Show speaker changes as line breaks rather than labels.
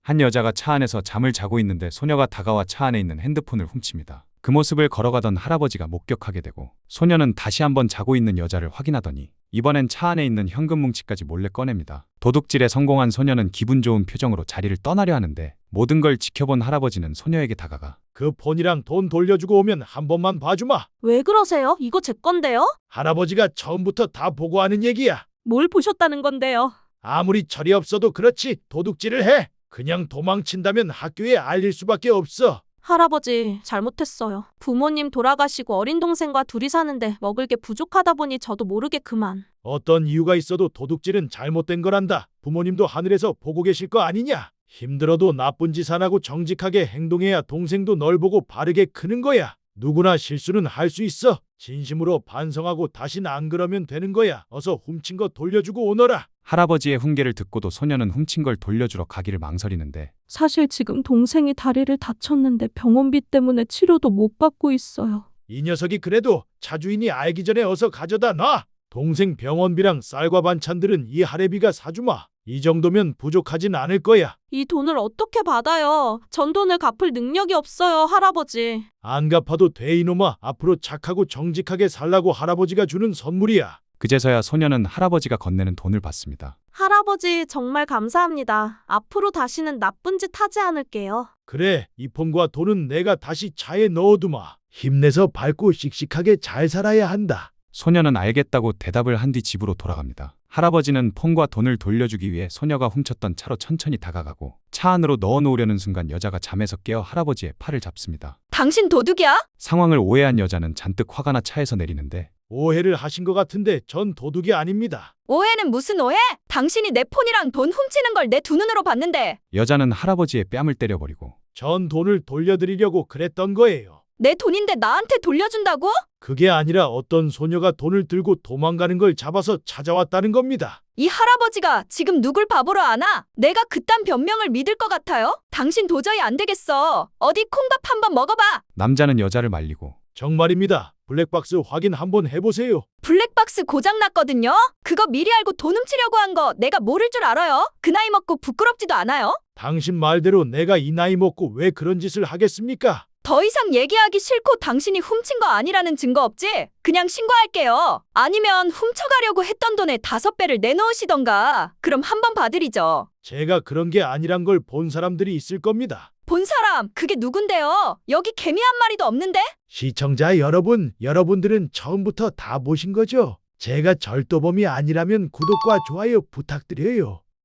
한 여자가 차 안에서 잠을 자고 있는데 소녀가 다가와 차 안에 있는 핸드폰을 훔칩니다. 그 모습을 걸어가던 할아버지가 목격하게 되고 소녀는 다시 한번 자고 있는 여자를 확인하더니 이번엔 차 안에 있는 현금 뭉치까지 몰래 꺼냅니다. 도둑질에 성공한 소녀는 기분 좋은 표정으로 자리를 떠나려 하는데 모든 걸 지켜본 할아버지는 소녀에게 다가가
그 폰이랑 돈 돌려주고 오면 한 번만 봐주마.
왜 그러세요? 이거 제 건데요?
할아버지가 처음부터 다 보고 하는 얘기야.
뭘 보셨다는 건데요?
아무리 철이 없어도 그렇지 도둑질을 해. 그냥 도망친다면 학교에 알릴 수밖에 없어.
할아버지, 잘못했어요. 부모님 돌아가시고 어린 동생과 둘이 사는데 먹을 게 부족하다 보니 저도 모르게 그만.
어떤 이유가 있어도 도둑질은 잘못된 거란다. 부모님도 하늘에서 보고 계실 거 아니냐. 힘들어도 나쁜 짓 안 하고 정직하게 행동해야 동생도 널 보고 바르게 크는 거야. 누구나 실수는 할 수 있어. 진심으로 반성하고 다신 안 그러면 되는 거야. 어서 훔친 거 돌려주고 오너라.
할아버지의 훈계를 듣고도 소녀는 훔친 걸 돌려주러 가기를 망설이는데
사실 지금 동생이 다리를 다쳤는데 병원비 때문에 치료도 못 받고 있어요.
이 녀석이 그래도 차주인이 알기 전에 어서 가져다 놔. 동생 병원비랑 쌀과 반찬들은 이 할애비가 사주마. 이 정도면 부족하진 않을 거야.
이 돈을 어떻게 받아요? 전 돈을 갚을 능력이 없어요, 할아버지.
안 갚아도 돼 이놈아. 앞으로 착하고 정직하게 살라고 할아버지가 주는 선물이야.
그제서야 소녀는 할아버지가 건네는 돈을 받습니다.
할아버지, 정말 감사합니다. 앞으로 다시는 나쁜 짓 하지 않을게요.
그래, 이 폰과 돈은 내가 다시 차에 넣어두마. 힘내서 밝고 씩씩하게 잘 살아야 한다.
소녀는 알겠다고 대답을 한 뒤 집으로 돌아갑니다. 할아버지는 폰과 돈을 돌려주기 위해 소녀가 훔쳤던 차로 천천히 다가가고 차 안으로 넣어놓으려는 순간 여자가 잠에서 깨어 할아버지의 팔을 잡습니다.
당신 도둑이야?
상황을 오해한 여자는 잔뜩 화가 나 차에서 내리는데
오해를 하신 것 같은데 전 도둑이 아닙니다.
오해는 무슨 오해? 당신이 내 폰이랑 돈 훔치는 걸 내 두 눈으로 봤는데
여자는 할아버지의 뺨을 때려버리고
전 돈을 돌려드리려고 그랬던 거예요.
내 돈인데 나한테 돌려준다고?
그게 아니라 어떤 소녀가 돈을 들고 도망가는 걸 잡아서 찾아왔다는 겁니다.
이 할아버지가 지금 누굴 바보로 아나? 내가 그딴 변명을 믿을 것 같아요? 당신 도저히 안 되겠어. 어디 콩밥 한번 먹어봐.
남자는 여자를 말리고
정말입니다. 블랙박스 확인 한번 해보세요.
블랙박스 고장났거든요? 그거 미리 알고 돈 훔치려고 한 거 내가 모를 줄 알아요? 그 나이 먹고 부끄럽지도 않아요?
당신 말대로 내가 이 나이 먹고 왜 그런 짓을 하겠습니까?
더 이상 얘기하기 싫고 당신이 훔친 거 아니라는 증거 없지? 그냥 신고할게요. 아니면 훔쳐가려고 했던 돈의 5배를 내놓으시던가. 그럼 한번 봐드리죠.
제가 그런 게 아니란 걸 본 사람들이 있을 겁니다.
본 사람, 그게 누군데요? 여기 개미 한 마리도 없는데?
시청자 여러분, 여러분들은 처음부터 다 보신 거죠? 제가 절도범이 아니라면 구독과 좋아요 부탁드려요.